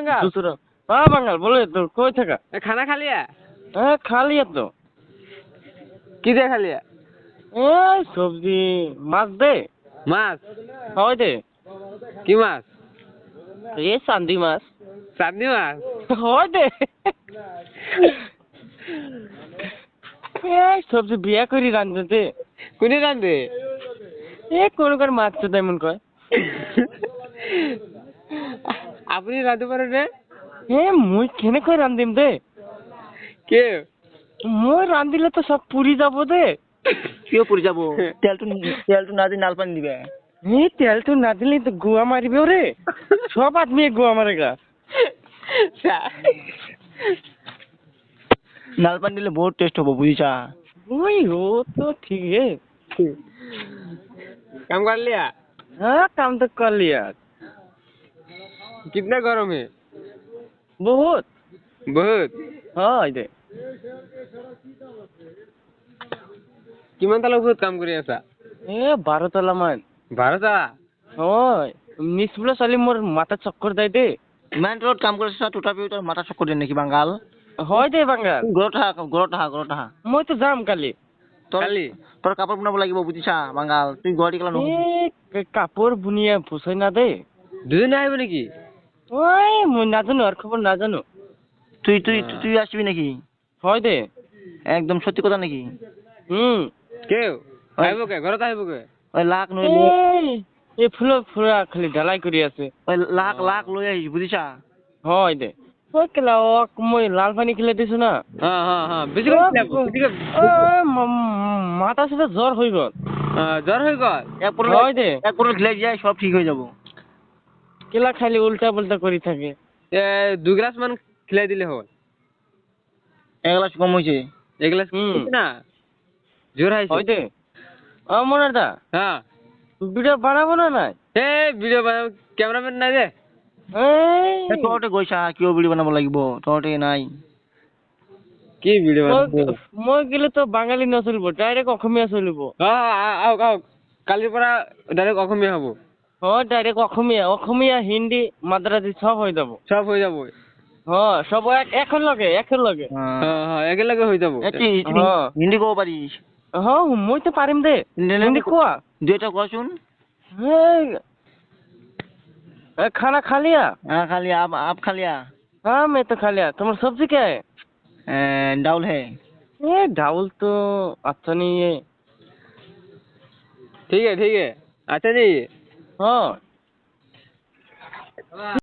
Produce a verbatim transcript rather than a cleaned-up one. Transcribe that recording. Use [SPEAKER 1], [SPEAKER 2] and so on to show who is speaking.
[SPEAKER 1] बांगाल
[SPEAKER 2] दूसरा हाँ बांगाल बोले तो कोई था
[SPEAKER 1] खाना खा लिया?
[SPEAKER 2] हाँ खा लिया तो
[SPEAKER 1] কি দিয়ে খা লিয়া?
[SPEAKER 2] ए सब्जी माছ दे
[SPEAKER 1] মাছ?
[SPEAKER 2] হয় দে
[SPEAKER 1] কি মাছ?
[SPEAKER 2] ये चांदी माছ
[SPEAKER 1] চাঁদনি মাছ?
[SPEAKER 2] হয় দে এই সবজি বিয়া করি রান্ধতে দে
[SPEAKER 1] কোনে রান্ধে?
[SPEAKER 2] এ কোন কোন মাছ তো তেমন কয়
[SPEAKER 1] আপনি রাঁধতে পারেন না?
[SPEAKER 2] এ মুই কেনে কই রান্ধিম দে
[SPEAKER 1] কে?
[SPEAKER 2] মই রান্ধিলে তো সব পুরি যাব দে
[SPEAKER 3] কিয় পৰি যাব তেলটো তেলটো না দি নাল পানী দিবে
[SPEAKER 2] এই তেল তো না দিলে তো গোয়া মারিবে রে সব আদমি গোয়া মারেগা
[SPEAKER 3] নাল পানী দিলে বহুত টেষ্ট হ'ব বুজিছা
[SPEAKER 2] ওই ও तो ठीक है
[SPEAKER 1] काम कर लिया?
[SPEAKER 2] हाँ काम तो कर लिया
[SPEAKER 1] कितना गरम है?
[SPEAKER 2] बहुत
[SPEAKER 1] बहुत?
[SPEAKER 2] हाँ दे
[SPEAKER 1] কিমান তালা বহুত কাম কৰি আছা?
[SPEAKER 2] এ বারো তলা মান
[SPEAKER 1] বাৰ তালা?
[SPEAKER 2] হয় নিচবলা চালি মোর মাথা চক্কর দেয় দে
[SPEAKER 3] ইমান তলত কাম কৰিছ তথাপিও তোৰ মাথা চক্কৰ দিয়ে নেকি বাংগাল
[SPEAKER 2] হয় দে বাঙ্গাল
[SPEAKER 3] ঘৰত আহা ঘৰত আহা ঘৰত আহা
[SPEAKER 2] মই তো যাম কালি
[SPEAKER 3] তোৰ
[SPEAKER 1] কালি?
[SPEAKER 3] তোৰ কাপোৰ বনাব লাগিব বুজিছা বাংগাল তুই গুৱাহাটী গেলা নহ'ব
[SPEAKER 2] এ কাপড় বুনিয়া ভুসাই না দে
[SPEAKER 1] দুজনে আহিব নেকি?
[SPEAKER 2] ওই মই নাজানো আর খবর নাজানো
[SPEAKER 3] তুই তুই তুই আসবি নাকি
[SPEAKER 2] হয় দে
[SPEAKER 3] একদম সত্যি কথা নাকি
[SPEAKER 2] হুম
[SPEAKER 1] কেউ আহিব কে ঘৰত আহিব কে?
[SPEAKER 3] ওই লাখ লৈ
[SPEAKER 2] এই এই ফুল ফুলা খালি ঢালাই কৰি আছে
[SPEAKER 3] ওই লাখ লাখ লৈ আহিছ বুজিছা
[SPEAKER 2] হয় দে ওই কেলা ওক মই লাল পানী খেলে দিছো না
[SPEAKER 1] হ্যাঁ হ্যাঁ হ্যাঁ বেশি করে খেলাব, বেশি করে।
[SPEAKER 2] ও, ম- মাথা সাথে জ্বর হয়ে গেল
[SPEAKER 1] হ্যাঁ, জ্বর হয়ে গেল?
[SPEAKER 3] এক পটল
[SPEAKER 2] হয় দে
[SPEAKER 3] এক পটল খেলে যায় সব ঠিক হয়ে যাব
[SPEAKER 2] কেলা খালি উল্টা পাল্টা করে থাকে
[SPEAKER 1] এ দু গ্লাস মান খেলাই দিলে হল।
[SPEAKER 3] এক গ্লাস কম হয়েছে
[SPEAKER 1] এক গ্লাস
[SPEAKER 2] হুম।
[SPEAKER 1] না জ্বর হয়েছে?
[SPEAKER 2] হয় দে ও মনার দা
[SPEAKER 1] হ্যাঁ
[SPEAKER 2] ভিডিও বানাবো না নাই
[SPEAKER 1] এ ভিডিও বানাব ক্যামেরাম্যান নাই রে।
[SPEAKER 2] এই
[SPEAKER 3] তহঁতে গৈছা কিয় ভিডিঅ' বনাব লাগিব তহঁতে নাই
[SPEAKER 1] কি ভিডিও বানাব?
[SPEAKER 2] মই- মই গেলে তো বাঙালি নচলিব ডাইরেক্ট অসমীয়া চলিব
[SPEAKER 1] হ্যাঁ আওক আওক কালিৰ পৰা ডাইৰেক্ট অসমীয়া হ'ব।
[SPEAKER 2] হয় ডাইরেক্ট অসমীয়া অসমীয়া হিন্দি মাদ্রাসি সব হয়ে যাব
[SPEAKER 1] সব হৈ যাব।
[SPEAKER 2] হ্যাঁ সব এক- এখন লগে এখন লগে
[SPEAKER 1] হ্যাঁ হ্যাঁ একেলগে হৈ যাব।
[SPEAKER 3] এ, তুই- তুই
[SPEAKER 2] হ্যাঁ।
[SPEAKER 3] হিন্দী ক'ব পাৰিছ
[SPEAKER 2] হ্যাঁ মই তো পাৰিম দে হিন্দি কোৱা
[SPEAKER 3] দুই এটা কোৱাচোন
[SPEAKER 2] এই, ए, खाना खा लिया?
[SPEAKER 3] हाँ खा लिया आप आप खा लिया
[SPEAKER 2] हाँ मैं तो खा लिया तुम्हारा सब्जी क्या है?
[SPEAKER 3] ए, डाउल है
[SPEAKER 2] ये डाउल तो अच्छा नहीं है
[SPEAKER 1] ঠিক আছে ঠিক আছে আচ্ছা জি।
[SPEAKER 2] हाँ